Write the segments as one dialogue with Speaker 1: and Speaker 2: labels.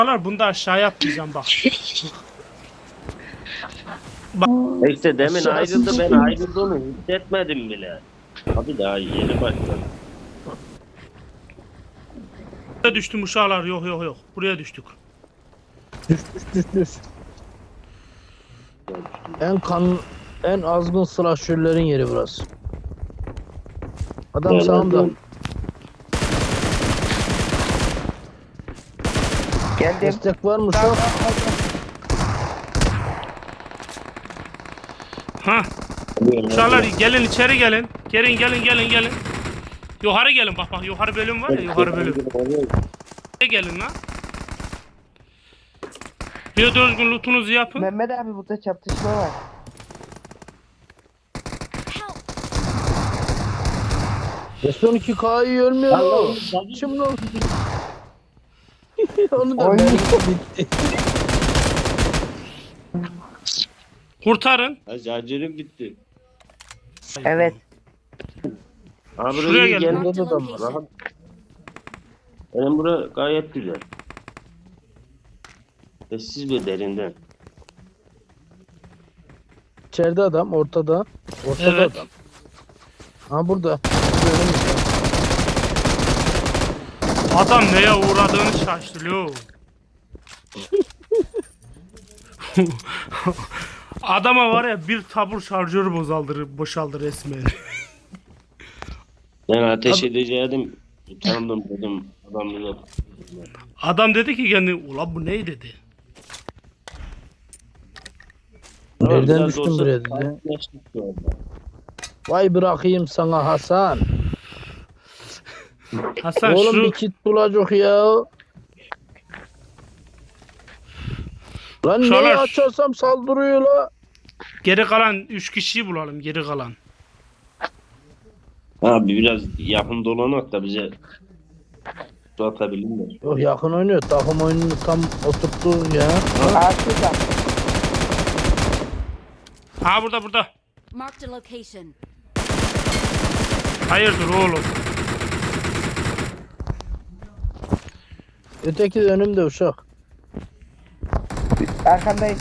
Speaker 1: Bunu da aşağıya atlayacağım bak.
Speaker 2: İşte demin ayrıldı, ben ayrıldığını hissetmedim bile. Abi daha yeni başladı.
Speaker 1: Buraya düştüm uşağlar, yok. Buraya düştük.
Speaker 3: Düş. En azgın slasherlerin yeri burası. Adam sağımda.
Speaker 4: Geldim.
Speaker 3: Destek var mı şu an?
Speaker 1: Ha. Uşağlar gelin içeri gelin. Gelin. Yukarı gelin bak yukarı bölüm var ya, yukarı bölüm. Gelin lan. Bir düzgün lootunuzu yapın.
Speaker 4: Mehmet abi burada çatışma var.
Speaker 3: S12K'yı ölmüyor o. Şimdi o. Onu da
Speaker 4: Oyun
Speaker 3: bitti.
Speaker 1: Kurtarın.
Speaker 2: Ha, şarjörüm gitti.
Speaker 4: Evet.
Speaker 2: Abi
Speaker 1: Şuraya
Speaker 2: buraya
Speaker 1: gelin.
Speaker 2: gelin.
Speaker 3: Burada da adam var.
Speaker 2: Rahat. Benim bura gayet güzel. Sessiz bir derinden.
Speaker 3: İçeride adam, ortada.
Speaker 1: Evet.
Speaker 3: Adam. Ha burada.
Speaker 1: Adam neye uğradığını şaşırıyor. Adama var ya bir tabur şarjörü boşaldı resmen.
Speaker 2: Ben ateş edecektim. Utandım dedim. Adam yok.
Speaker 1: Adam dedi ki kendi ulan bu ne dedi.
Speaker 3: Nereden
Speaker 2: Biraz
Speaker 3: düştün
Speaker 2: olsa
Speaker 3: buraya dedi.
Speaker 2: sakinleştik şu anda.
Speaker 3: Vay bırakayım sana Hasan.
Speaker 1: Hasan
Speaker 3: Oğlum
Speaker 1: şu
Speaker 3: bir kit bulacak ya. Lan
Speaker 1: Şalar.
Speaker 3: neyi açarsam saldırıyor la.
Speaker 1: geri kalan 3 kişiyi bulalım geri kalan.
Speaker 2: Abi biraz yakın dolanak da bize su atabilirler.
Speaker 3: Yok yakın oynuyor. Takım oyununu tam oturttu ya.
Speaker 4: Artık
Speaker 1: Ha burada.
Speaker 5: Marked a location.
Speaker 1: Hayırdır oğlum.
Speaker 3: Öteki de önümde uşak.
Speaker 4: arkandayım.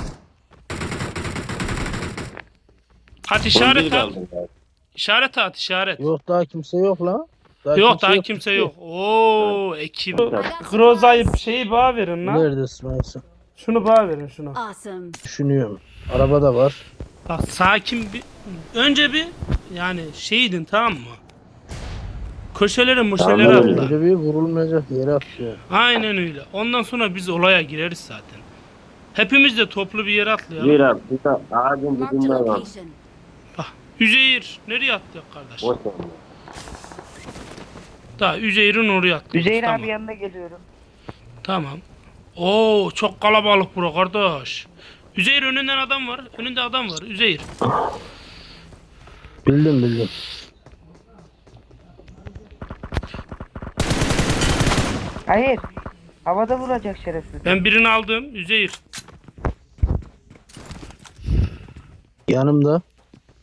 Speaker 1: At işaret
Speaker 2: 11
Speaker 1: at.
Speaker 2: kaldı galiba.
Speaker 1: İşaret at işaret.
Speaker 3: Yok daha kimse yok la.
Speaker 1: Yok daha kimse yok. Oo ekip. Groza'yı şeyi bana verin lan.
Speaker 3: Neredesin Aysun?
Speaker 1: Şunu bana verin şunu.
Speaker 5: Awesome.
Speaker 3: Düşünüyorum. Araba da var.
Speaker 1: Bak sakin bir önce bir yani şeydin tamam mı? Köşelere
Speaker 2: Tamam,
Speaker 1: atla.
Speaker 3: Öyle bir vurulmayacak yere atıyor.
Speaker 1: Aynen öyle. Ondan sonra biz olaya gireriz zaten. Hepimiz de toplu bir yere atlayalım.
Speaker 2: Bir abi. Bir de ağacın
Speaker 5: Marked a
Speaker 2: dibinde var.
Speaker 5: location.
Speaker 1: Bak Üzeyir nereye atlayacak kardeş?
Speaker 2: Boş ver.
Speaker 1: Daha Üzeyir'in oraya atlıyoruz.
Speaker 4: Üzeyir
Speaker 1: tamam.
Speaker 4: abi yanına geliyorum.
Speaker 1: Tamam. Oo çok kalabalık bura kardeş. Üzeyir önünden adam var. Önünde adam var. Üzeyir.
Speaker 3: Bildim.
Speaker 4: Hayır. Havada vuracak şerefsiz.
Speaker 1: Ben birini aldım. Üzeyir.
Speaker 3: Yanımda.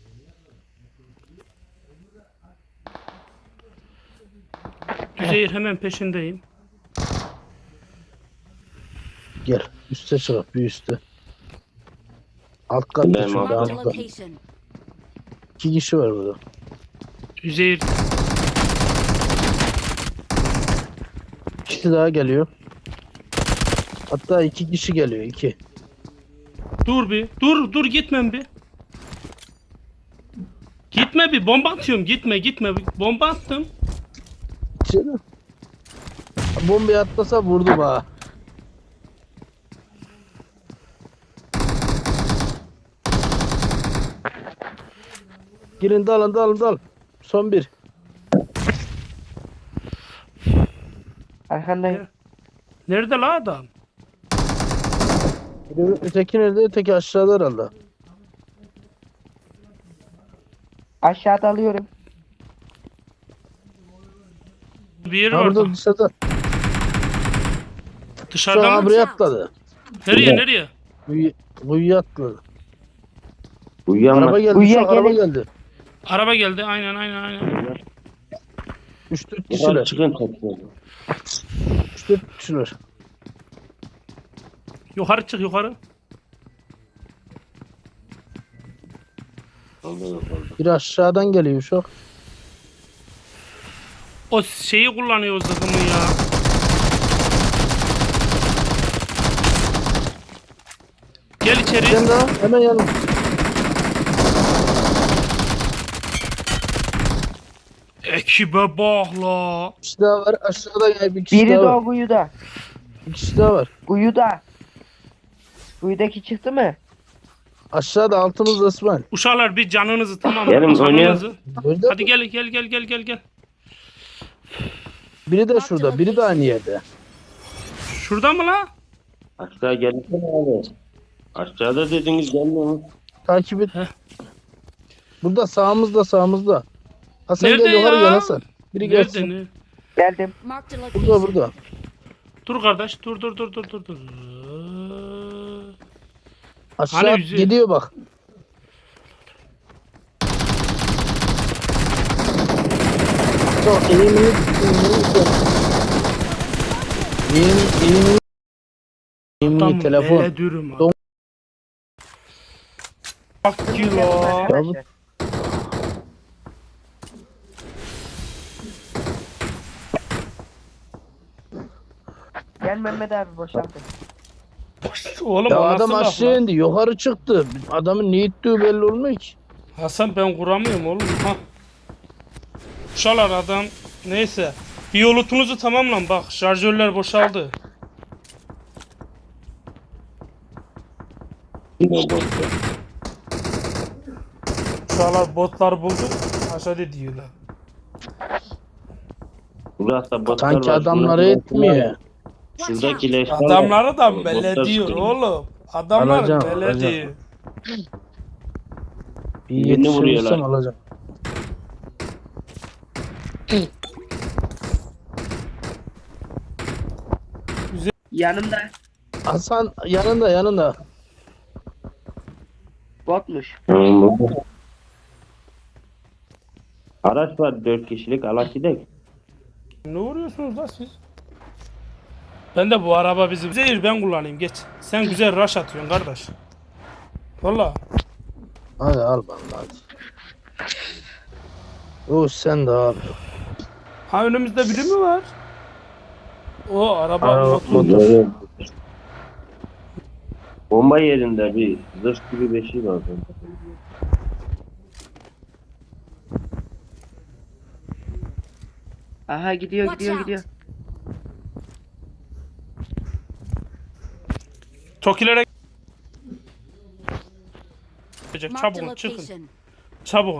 Speaker 1: Üzeyir hemen peşindeyim.
Speaker 3: Gel. Üste çık. Bir üste. Alt katta
Speaker 2: Ben
Speaker 3: çünkü
Speaker 2: aldım.
Speaker 5: Marked a
Speaker 3: altta.
Speaker 5: location.
Speaker 3: 2 kişi var burada.
Speaker 1: Üzeyir.
Speaker 3: İkisi daha geliyor. Hatta 2 kişi geliyor. 2.
Speaker 1: Dur bir. Dur gitmem bir. Gitme bir. Bomba atıyorum. Gitme. Bomba attım.
Speaker 3: İçeri. Bombayı atlasa vurdu bana. Girin dalın. Son bir.
Speaker 4: Arkandayım.
Speaker 1: Nerede la adam?
Speaker 3: Öteki nerede? Öteki aşağıda herhalde.
Speaker 4: Aşağıda alıyorum.
Speaker 1: Bir yeri
Speaker 3: Ha
Speaker 1: var.
Speaker 3: burada dışarıda. Şu
Speaker 1: Dışarıda
Speaker 3: an
Speaker 1: mı?
Speaker 3: buraya atladı.
Speaker 1: Nereye?
Speaker 3: Kuyuya atladı.
Speaker 2: Uyuyanma.
Speaker 3: Araba geldi.
Speaker 4: Kuyuya
Speaker 3: Şu an araba
Speaker 4: gelin.
Speaker 3: geldi.
Speaker 1: Araba geldi. Aynen.
Speaker 3: 3-4
Speaker 2: Yukarı
Speaker 3: kişiler.
Speaker 2: çıkın toplu.
Speaker 3: 3-4 kişiler.
Speaker 1: Yukarı çık yukarı.
Speaker 2: Oldu.
Speaker 3: Bir aşağıdan geliyor uşak.
Speaker 1: O şeyi kullanıyor o zırhını ya. Gel içeri.
Speaker 3: Sen daha hemen yanım.
Speaker 1: Ekibe bak la.
Speaker 3: Bir kişi daha var. Aşağıda gel bir kişi
Speaker 4: Biri
Speaker 3: daha
Speaker 4: de
Speaker 3: var.
Speaker 4: o kuyuda.
Speaker 3: Bir kişi daha var.
Speaker 4: Kuyuda. Kuyudaki çıktı mı?
Speaker 3: Aşağıda altımızda İsmail.
Speaker 1: Uşaklar bir canınızı tamam
Speaker 2: Gelin,
Speaker 1: mı? Canınızı.
Speaker 3: Nerede?
Speaker 1: Hadi gel.
Speaker 3: Biri de şurada. Biri de aynı yerde.
Speaker 1: Şurada mı la?
Speaker 2: Aşağı gelsene abi. Aşağıda dediniz gelmiyor.
Speaker 3: Takip et.
Speaker 1: Heh.
Speaker 3: Burada sağımızda. Hasan
Speaker 1: Nerede
Speaker 3: gel yukarı
Speaker 1: ya?
Speaker 3: gel Hasan. Biri
Speaker 1: Nerede
Speaker 3: gelsin.
Speaker 1: ne?
Speaker 4: Geldim.
Speaker 5: Marked a
Speaker 3: Burada
Speaker 5: location.
Speaker 3: burada.
Speaker 1: Dur kardeş dur.
Speaker 3: Aşağı
Speaker 1: Hani yüzü-
Speaker 3: gidiyor bak. Çok eğimini
Speaker 1: Tam
Speaker 3: telefon.
Speaker 1: böyle dürüm abi.
Speaker 3: Don-
Speaker 1: Bak ki la.
Speaker 4: Arkadaşlar. Gel Mehmet abi boşaltın.
Speaker 1: Oğlum
Speaker 3: Ya
Speaker 1: o
Speaker 3: adam
Speaker 1: nasıl laf
Speaker 3: aşağı
Speaker 1: lan?
Speaker 3: indi yukarı çıktı. Adamın ne ittiği belli olmuyor ki.
Speaker 1: Hasan ben kuramıyorum oğlum. Ha. Uşaklar adam neyse. Bir yolutunuzu tamamlan bak şarjörler boşaldı. Uşaklar botlar buldu. Aşağıda diyorlar.
Speaker 2: Burası botlar
Speaker 3: Sanki
Speaker 2: var.
Speaker 3: adamları
Speaker 2: Şurada-
Speaker 3: etmiyor.
Speaker 2: Şuradaki leşler var.
Speaker 1: Adamları da
Speaker 2: Botlar
Speaker 1: belediyor
Speaker 2: sıkıyor.
Speaker 1: oğlum. Adamlar
Speaker 3: Alacağım,
Speaker 1: belediyor.
Speaker 3: Bir
Speaker 2: Birini
Speaker 3: yetişirsem
Speaker 2: vuruyorlar.
Speaker 3: alacağım.
Speaker 4: Yanımda
Speaker 3: Hasan yanında.
Speaker 4: botmuş.
Speaker 2: Araç var 4 kişilik alak gidek.
Speaker 1: Ne vuruyorsunuz la siz? Ben de bu araba bizim. Zehir ben kullanayım geç. Sen güzel rush atıyorsun kardeş. Valla.
Speaker 3: Hadi al bana hadi. O sen de al.
Speaker 1: Ha önümüzde biri mi var? O araba
Speaker 3: Araba,
Speaker 1: motor.
Speaker 2: Bomba yerinde bir zırh gibi bir şey var.
Speaker 4: Aha gidiyor
Speaker 5: Watch
Speaker 4: gidiyor
Speaker 5: out.
Speaker 4: gidiyor.
Speaker 1: Tokilere
Speaker 5: Marked a
Speaker 1: çabuk çıkın.
Speaker 5: location.
Speaker 1: Çabuk.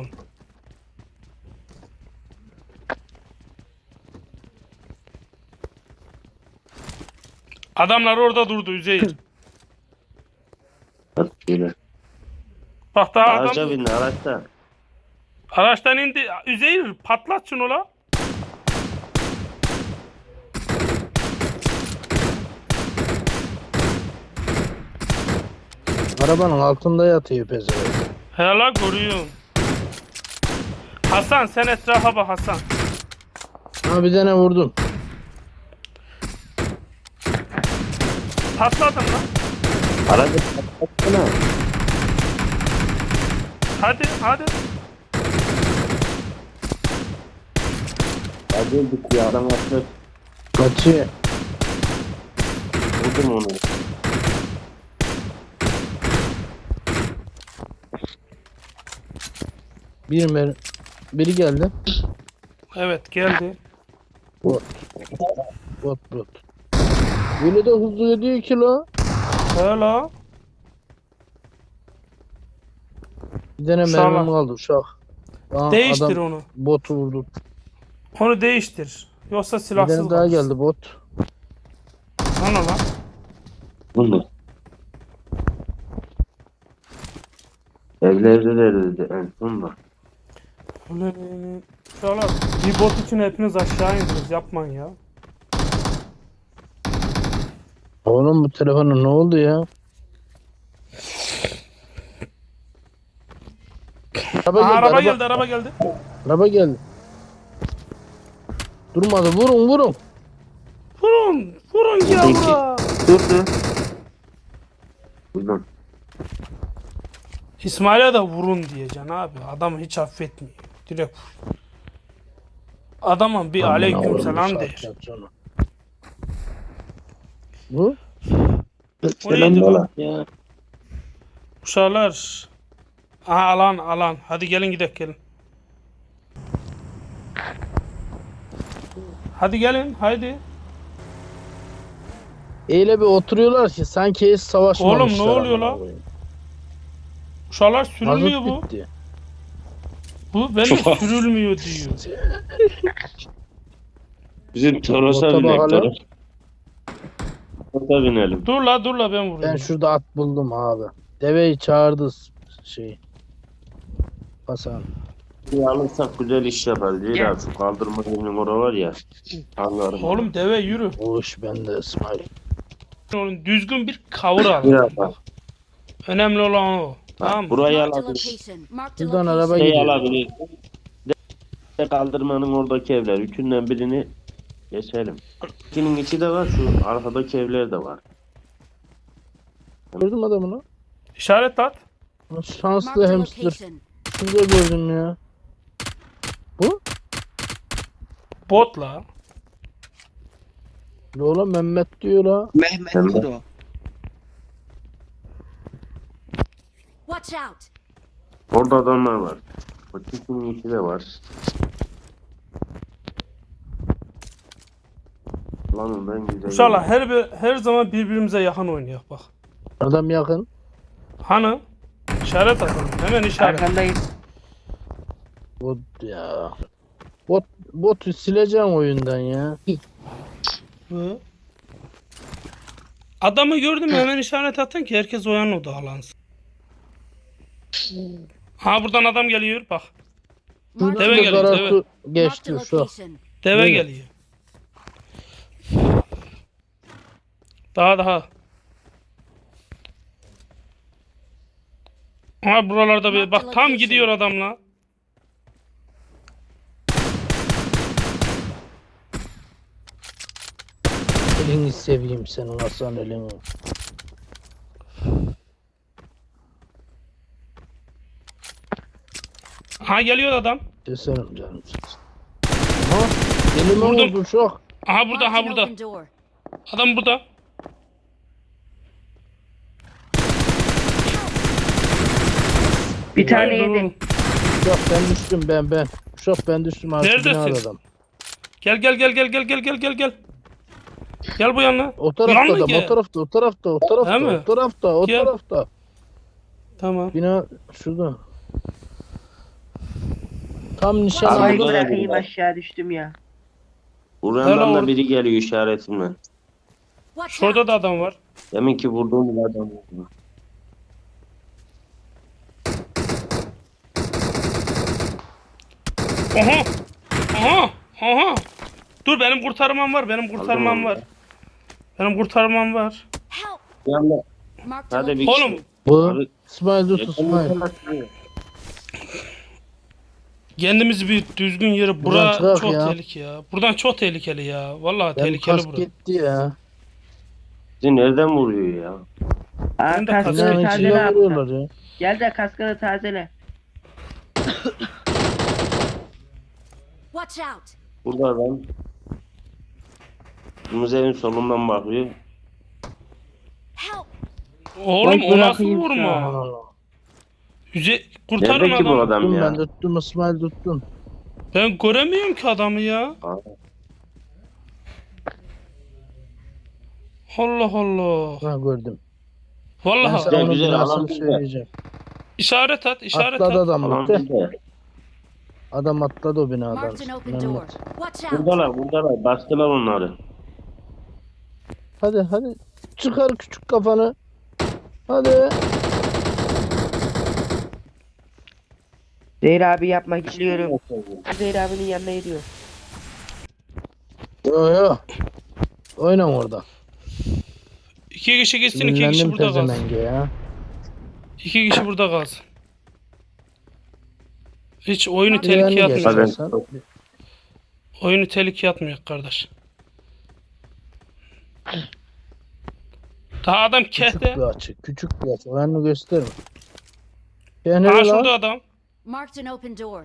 Speaker 1: Adamlar orada durdu Üzeyir.
Speaker 2: Böyle.
Speaker 1: Bak daha
Speaker 2: Araca
Speaker 1: adam
Speaker 2: bindi araçta.
Speaker 1: araçtan indi. Üzeyir patlat şunu la.
Speaker 3: Arabanın altında yatıyor pezevenk.
Speaker 1: Hele görüyorum. Hasan sen etrafa bak Hasan.
Speaker 3: Ha bir tane vurdum.
Speaker 1: Patladın lan.
Speaker 2: Aracı patlatsana.
Speaker 1: Hadi.
Speaker 2: Hadi öldük ya adam atlı.
Speaker 3: Kaçıyor.
Speaker 2: Vurdum onu.
Speaker 3: Biri geldi.
Speaker 1: Evet geldi.
Speaker 3: Bot. Böyle de hızlı gidiyor ki la.
Speaker 1: Hele.
Speaker 3: Bir tane
Speaker 1: Uşağı
Speaker 3: mermim
Speaker 1: var.
Speaker 3: kaldı uşak. Aa,
Speaker 1: Değiştir
Speaker 3: adam
Speaker 1: onu.
Speaker 3: botu vurdu.
Speaker 1: Onu değiştir. Yoksa
Speaker 3: Bir
Speaker 1: silahsız
Speaker 3: tane daha
Speaker 1: kalırsın.
Speaker 3: geldi bot.
Speaker 1: Ana lan.
Speaker 2: Bunu. Evlerde dedi en sonunda.
Speaker 1: Ulan, Uşaklar bir bot için hepiniz aşağı indiniz. Yapmayın ya.
Speaker 3: Oğlum bu telefona ne oldu ya? Araba
Speaker 1: Aha,
Speaker 3: geldi,
Speaker 1: araba geldi.
Speaker 3: araba geldi. Durmadı. Vurun.
Speaker 1: Vurun ya
Speaker 2: Peki.
Speaker 1: bura.
Speaker 2: Durdu. Buradan.
Speaker 1: İsmail'e de vurun diyeceksin abi. Adamı hiç affetmiyor. Direkt vur. Adamın bir aleyküm selam der.
Speaker 3: Bu?
Speaker 1: O neydi lan?
Speaker 2: Ya.
Speaker 1: Uşaklar. Aha alan. Hadi gelin gidelim gelin. Hadi gelin haydi.
Speaker 3: Öyle bir oturuyorlar ki sanki hiç savaşmamışlar.
Speaker 1: Oğlum, ne oluyor
Speaker 3: amına
Speaker 1: lan?
Speaker 3: koyayım.
Speaker 1: Uşaklar sürülmüyor
Speaker 3: Mazot
Speaker 1: bu.
Speaker 3: bitti.
Speaker 1: Bu belli sürülmüyor diyor.
Speaker 2: Bizim Toros'a
Speaker 3: Bota
Speaker 2: binek
Speaker 3: bakalım.
Speaker 2: Toros. Bota binelim.
Speaker 1: Dur la ben vuruyorum.
Speaker 3: Ben şurada at buldum abi. Deveyi çağırdı şey. Hasan.
Speaker 2: Bir alırsak güzel iş yapar. Değil abi. Şu kaldırma günün orası var ya. Anlarım.
Speaker 1: Oğlum deve yürü.
Speaker 3: O iş bende İsmail.
Speaker 1: Oğlum düzgün bir kavur al.
Speaker 2: Biraz bak.
Speaker 1: Önemli olan o. Tamam mı?
Speaker 2: Burayı
Speaker 5: Marked a
Speaker 2: alabilir.
Speaker 5: location. Marked a
Speaker 3: Buradan araba
Speaker 5: location.
Speaker 2: Şey
Speaker 3: gidiyor.
Speaker 2: alabilir. De kaldırmanın oradaki evler. Üçünden birini geçelim. İkinin içi de var. Şu arkadaki evler de var.
Speaker 3: Gördün mü adamını?
Speaker 1: İşaret at.
Speaker 3: Şanslı
Speaker 5: Marked a
Speaker 3: hamster.
Speaker 5: location.
Speaker 3: Şurada gördüm ya. Bu?
Speaker 1: Bot la.
Speaker 3: Yola Mehmet diyor la.
Speaker 4: Mehmet
Speaker 2: Sen de.
Speaker 4: Kudo.
Speaker 5: Watch out.
Speaker 2: Orada adamlar var. O ikinin içi de var. Lan ben güzel.
Speaker 1: İnşallah her zaman birbirimize yakın oynuyor bak.
Speaker 3: Adam yakın.
Speaker 1: Hani? İşaret atalım. Hemen işaret.
Speaker 4: Arkandayım.
Speaker 3: Bot ya. Botu sileceğim oyundan ya.
Speaker 1: Hı. Adamı gördüm hemen işaret atın ki herkes o yana odaklansın. Ha buradan adam geliyor bak.
Speaker 5: Marked
Speaker 1: Deve
Speaker 5: a-
Speaker 1: geliyor,
Speaker 3: Şurada
Speaker 1: deve.
Speaker 3: Karatu
Speaker 5: marked a
Speaker 3: geçti şu.
Speaker 5: location.
Speaker 1: Deve
Speaker 3: Nereye?
Speaker 1: geliyor. Daha. Ha buralarda bir bak tam gidiyor adamla.
Speaker 3: Elini seveyim senin Hasan elini.
Speaker 1: Ha geliyor adam.
Speaker 3: Keserim canım. Ha? Elime
Speaker 1: Vurdum.
Speaker 3: vurdu çok.
Speaker 1: Aha burada
Speaker 5: Marked
Speaker 1: ha
Speaker 5: an
Speaker 1: burada.
Speaker 5: open door.
Speaker 1: Adam burada.
Speaker 4: Bir tane
Speaker 1: Hayır, dur
Speaker 4: yedi.
Speaker 1: oğlum.
Speaker 3: Uşak ben düştüm ben. Uşak ben düştüm artık
Speaker 1: Neredesin?
Speaker 3: binada adam.
Speaker 1: Gel. Gel bu yana.
Speaker 3: O tarafta
Speaker 1: Yan mı
Speaker 3: adam
Speaker 1: gel?
Speaker 3: o tarafta
Speaker 1: He mi?
Speaker 3: o
Speaker 1: Gel.
Speaker 3: tarafta.
Speaker 1: Tamam.
Speaker 3: Bina şurada. Tam nişan
Speaker 2: Abi,
Speaker 4: Ay
Speaker 2: burada da
Speaker 3: aldım.
Speaker 2: biri
Speaker 4: bırakayım
Speaker 2: var.
Speaker 4: aşağı düştüm ya.
Speaker 2: Burandan
Speaker 1: Helal
Speaker 2: da
Speaker 1: olsun.
Speaker 2: biri geliyor işaretimle.
Speaker 5: Watch
Speaker 1: Şurada
Speaker 5: out.
Speaker 1: da adam var.
Speaker 2: Demin ki vurduğum bir adam vurdu.
Speaker 1: Aha. Dur benim kurtarmam var. Benim kurtarmam var.
Speaker 5: Help.
Speaker 2: Yanda.
Speaker 5: Marked a
Speaker 2: Hadi bir
Speaker 5: location.
Speaker 1: Oğlum
Speaker 3: Bu.
Speaker 2: Abi,
Speaker 3: İsmail dur İsmail.
Speaker 1: kendimizi bir düzgün yere
Speaker 3: Buradan
Speaker 1: bura
Speaker 3: çıkak
Speaker 1: çok
Speaker 3: ya.
Speaker 1: tehlikeli ya. Buradan çok tehlikeli ya. Vallahi
Speaker 3: Benim
Speaker 1: tehlikeli
Speaker 3: kask
Speaker 1: bura.
Speaker 3: gitti ya.
Speaker 2: Bizi nereden vuruyor ya?
Speaker 4: Aa
Speaker 1: Ben de
Speaker 4: kaskını
Speaker 1: kazanım.
Speaker 3: Binanın
Speaker 4: tazele
Speaker 3: içine
Speaker 4: abi.
Speaker 3: vuruyorlar ya.
Speaker 4: Gel de kaskını tazele.
Speaker 5: Watch out.
Speaker 2: Burada adam. Müzenin solundan bakıyor.
Speaker 5: Help.
Speaker 1: Oğlum
Speaker 4: Bak
Speaker 1: o nasıl
Speaker 4: bırakayım
Speaker 1: vurma?
Speaker 3: Allah.
Speaker 1: Kurtarın
Speaker 2: Nerede ki bu
Speaker 1: adamı.
Speaker 2: adam
Speaker 3: Tuttum
Speaker 2: ya?
Speaker 3: ben tuttum İsmail tuttum.
Speaker 1: Ben göremiyorum ki adamı ya.
Speaker 2: Aa,
Speaker 1: Allah Allah.
Speaker 3: Ha gördüm. Ben
Speaker 1: Vallahi
Speaker 3: sana onun
Speaker 2: güzel,
Speaker 3: binasını
Speaker 2: alan güzel.
Speaker 3: söyleyeceğim.
Speaker 1: işaret at.
Speaker 3: Atladı adam
Speaker 2: Alan
Speaker 3: bak.
Speaker 2: bizde.
Speaker 3: Adam atladı o binadan.
Speaker 5: Marked an open door.
Speaker 3: Mehmet.
Speaker 5: Watch out.
Speaker 2: Buradalar. Bastılar onları.
Speaker 3: Hadi. Çıkar küçük kafanı. Hadi.
Speaker 4: Zehir abi yapma geliyorum. Zehir abinin yanına gidiyor.
Speaker 3: Yo. Oynan orada.
Speaker 1: 2 kişi gitsin, 2 kişi
Speaker 3: Sinirlendim
Speaker 1: burada kalsın.
Speaker 3: pezemenge ya.
Speaker 1: 2 kişi burada kalsın. Hiç oyunu
Speaker 5: Hadi
Speaker 1: tehlikeye
Speaker 3: geç.
Speaker 1: atmıyor.
Speaker 2: Hadi.
Speaker 3: Sen-
Speaker 1: Oyunu tehlikeye atmıyor kardeş. Daha adam
Speaker 3: Küçük
Speaker 1: kehte.
Speaker 3: bir açı. Küçük bir açı. Ben onu gösteririm.
Speaker 1: Ha
Speaker 3: Yani
Speaker 1: şurada adam.
Speaker 5: Marked an open door.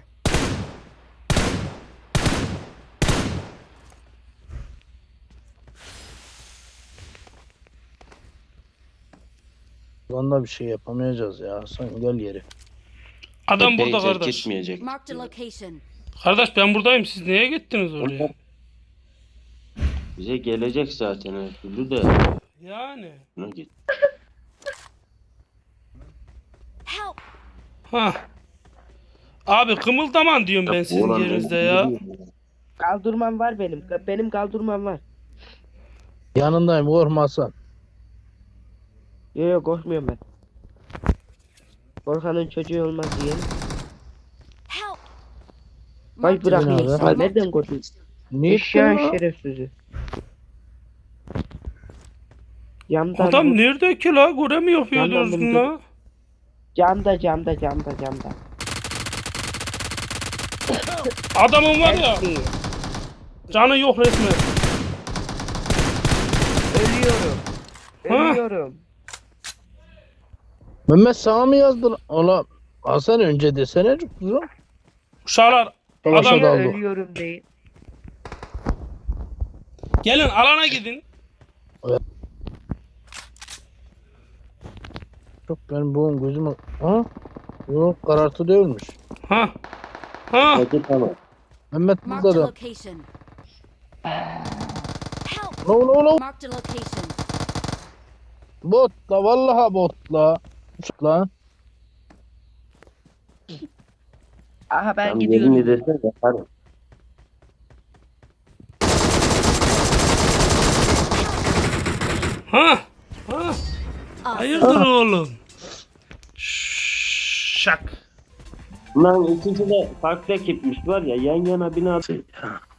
Speaker 3: Onunla bir şey yapamayacağız ya. Sen gel yeri.
Speaker 1: Adam
Speaker 2: Tepeyi
Speaker 1: burada
Speaker 2: terk
Speaker 1: kardeş.
Speaker 2: etmeyecek.
Speaker 5: Marked a location.
Speaker 1: Kardeş ben buradayım. Siz niye gittiniz oraya?
Speaker 2: Bize gelecek zaten her türlü de.
Speaker 1: Yani.
Speaker 2: Buna git.
Speaker 5: Help!
Speaker 1: Ha. Abi kımıldaman diyorum ben sizin
Speaker 2: Oğlan
Speaker 1: yerinizde
Speaker 2: beni
Speaker 1: ya.
Speaker 2: biliyor ya.
Speaker 4: Kaldırmam var benim. Benim kaldırmam var.
Speaker 3: Yanındayım korkma Hasan.
Speaker 4: Yok yok korkmuyorum ben. Korkanın çocuğu olmaz diye.
Speaker 5: Help!
Speaker 4: Vay
Speaker 5: Marked a
Speaker 4: bırak
Speaker 3: Nerede?
Speaker 4: ya.
Speaker 5: location.
Speaker 4: Nereden korktun?
Speaker 3: Niye
Speaker 4: Eşya
Speaker 3: ya?
Speaker 4: şerefsizi. Camdan
Speaker 1: Adam nerede ki la? Göremiyor ya
Speaker 4: Yandan
Speaker 1: düzgün
Speaker 4: bunu
Speaker 1: la.
Speaker 4: camda.
Speaker 1: Adamın var ya.
Speaker 4: Help me.
Speaker 1: Canı yok resmen.
Speaker 4: Ölüyorum.
Speaker 1: Ha?
Speaker 4: Ölüyorum.
Speaker 3: Mehmet sana mı yazdın? Ola Hasan önce desene kızım.
Speaker 1: Uşaklar
Speaker 3: Tamam,
Speaker 1: adam
Speaker 3: şurada. Daldı.
Speaker 4: Ölüyorum değil.
Speaker 1: gelin alana gidin.
Speaker 3: Çok benim boğum gözüme... Ha? Yok karartı değilmiş.
Speaker 1: Ha. Ha.
Speaker 2: Hadi tamam.
Speaker 3: Mehmet
Speaker 5: Marked
Speaker 3: burada
Speaker 5: a
Speaker 3: da.
Speaker 5: location. Help!
Speaker 3: Ola.
Speaker 5: Marked a location.
Speaker 3: Bot la vallahi bot la. La.
Speaker 4: Aha ben
Speaker 2: Tam
Speaker 4: gidiyorum.
Speaker 2: yerini desene yaparım.
Speaker 1: Ha. Ha.
Speaker 5: Awesome.
Speaker 1: Hayırdır oğlum? Şak.
Speaker 2: Lan ikisi de farklı ekipmiş var ya yan yana bina. Ya.